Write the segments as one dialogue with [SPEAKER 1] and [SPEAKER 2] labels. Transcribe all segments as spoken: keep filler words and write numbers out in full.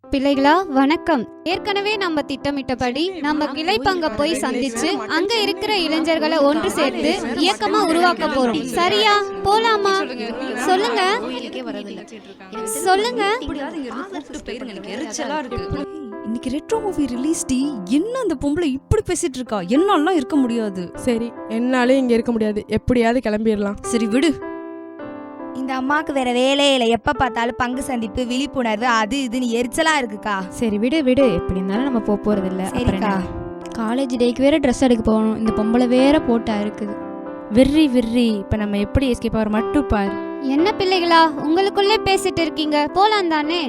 [SPEAKER 1] பிள்ளைகளா வணக்கம். ஏற்கனவே நம்ம திட்டமிட்டபடி நம்ம கிளை பங்க போய் சந்திச்சு அங்க இருக்கிற இளைஞர்களை ஒன்று சேர்த்து இயக்கமா உருவாக்க போறோம். சரியா? போலாமா? சொல்லுங்க சொல்லுங்க.
[SPEAKER 2] இன்னைக்கு ரெட்ரோ மூவி ரிலீஸ் டி. என்ன அந்த பொம்பளை இப்படி பேசிட்டு இருக்கா? என்னாலாம் இருக்க முடியாது.
[SPEAKER 3] சரி, என்னாலே இங்க இருக்க முடியாது, எப்படியாவது கிளம்பிடலாம்.
[SPEAKER 2] சரி விடு.
[SPEAKER 4] இந்த அம்மாவுக்கு வேற வேலையே இல்லை, எப்ப பார்த்தாலும் பங்கு சந்திப்பு, விழிப்புணர்வு, அது இதுன்னு எரிச்சலா இருக்குக்கா.
[SPEAKER 5] சரி விடு விடு, எப்படி இருந்தாலும் நம்ம போக போறது இல்ல.
[SPEAKER 4] சரிக்கா.
[SPEAKER 5] காலேஜ் டேக்கு வேற ட்ரெஸ் எடுக்க போகணும். இந்த பொம்பளை வேற போட்டா இருக்குது. விர்ரி விர்ரி, இப்ப நம்ம எப்படி எஸ்கேப் ஆகிற மட்டும் பாரு.
[SPEAKER 1] என்ன பிள்ளைகளா உங்களுக்குள்ளே பேசிட்டு இருக்கீங்க? போலாம் தானே?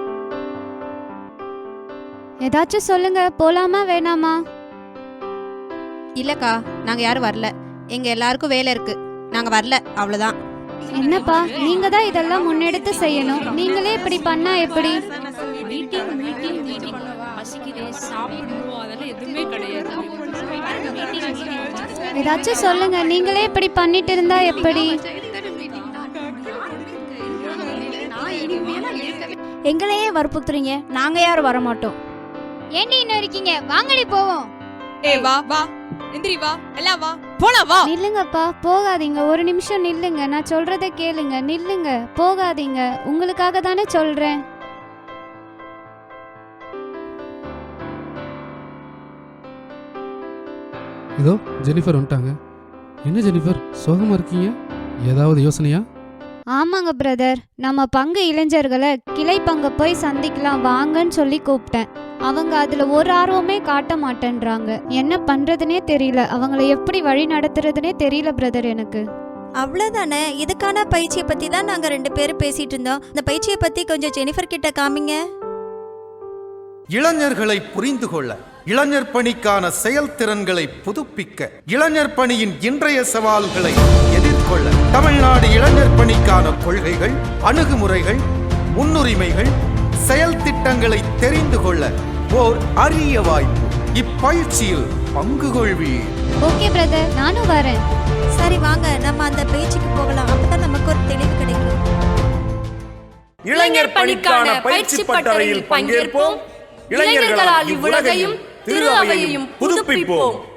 [SPEAKER 1] ஏதாச்சும் சொல்லுங்க, போலாமா வேணாமா?
[SPEAKER 6] இல்லக்கா, நாங்க யாரும் வரல. எங்க எல்லாருக்கும் வேலை இருக்கு, நாங்க வரல, அவ்வளவுதான்.
[SPEAKER 1] என்னப்பா, நீங்க தான் இதெல்லாம் முன்னெடுத்து செய்யணும். நீங்களே இப்படி பண்ணா எப்படி? ஏதாச்சும் சொல்லுங்க, நீங்களே இப்படி பண்ணிட்டு இருந்தா எப்படி?
[SPEAKER 4] எங்களையே வற்புறுத்துறீங்க, நாங்க யாரும் வர மாட்டோம்.
[SPEAKER 1] ஏண்டி இன்னும் இருக்கீங்க? வாங்கடி போவோம்.
[SPEAKER 7] ஏய் வா வா, எந்திரி வா, எல்லாம் வா, போலாம் வா.
[SPEAKER 1] நில்லுங்கப்பா, போகாதீங்க. ஒரு நிமிஷம் நில்லுங்க, நான் சொல்றத கேளுங்க. நில்லுங்க, போகாதீங்க. உங்களுக்காக தானே சொல்றேன்.
[SPEAKER 8] இதோ ஜெனிஃபர் வந்துட்டாங்க. என்ன ஜெனிஃபர், சோகமா இருக்கீங்க? ஏதாவது யோசனையா?
[SPEAKER 1] ஆமாங்க பிரதர், நம்ம பங்கு இளைஞர்களை கிளை பங்க போய் சந்திக்கலாம் வாங்கன்னு சொல்லி கூப்பிட்டேன். அவங்க அதுல ஒரு ஆர்வமே காட்ட மாட்டேன்றாங்க. என்ன பண்றதுனே தெரியல, அவங்கள எப்படி வழி நடத்துறதுனே தெரியல பிரதர் எனக்கு.
[SPEAKER 9] அவ்வளவுதானே. இதுக்கான பயிற்சியை பத்தி தான் நாங்க ரெண்டு பேரும் பேசிட்டு இருந்தோம். இந்த பயிற்சியை பத்தி கொஞ்சம் ஜெனிஃபர் கிட்ட காமிங்க.
[SPEAKER 10] இளைஞர்களை புரிந்து கொள்ள, இளைஞர் பணிக்கான செயல்திறன்களை புதுப்பிக்க, இளைஞர் பணியின் இன்றைய சவால்களை எதிர்கொள்ள தமிழ்நாடு இளைஞர் பணிக்கான கொள்கைகள், அணுகுமுறைகள், முன்னுரிமைகள், செயல் திட்டங்களை தெரிந்து கொள்ள ஓர் அரிய வாய்ப்பு. இப்பயிற்சியில் பங்கு கொள்வீர்.
[SPEAKER 1] ஓகே பிரதர், நானும் வரேன்.
[SPEAKER 9] சரி வாங்க, நம்ம அந்த பயிற்சிக்கு போகலாம். அப்பதான் நமக்கு ஒரு தெளிவு கிடைக்கும்.
[SPEAKER 11] இளைஞர் பணிக்கான பயிற்சி பட்டறையில் பங்கேற்போம். இளைஞர்களால் இவ்வுலகையும் திரு அவையையும் புதுப்பிப்போம்.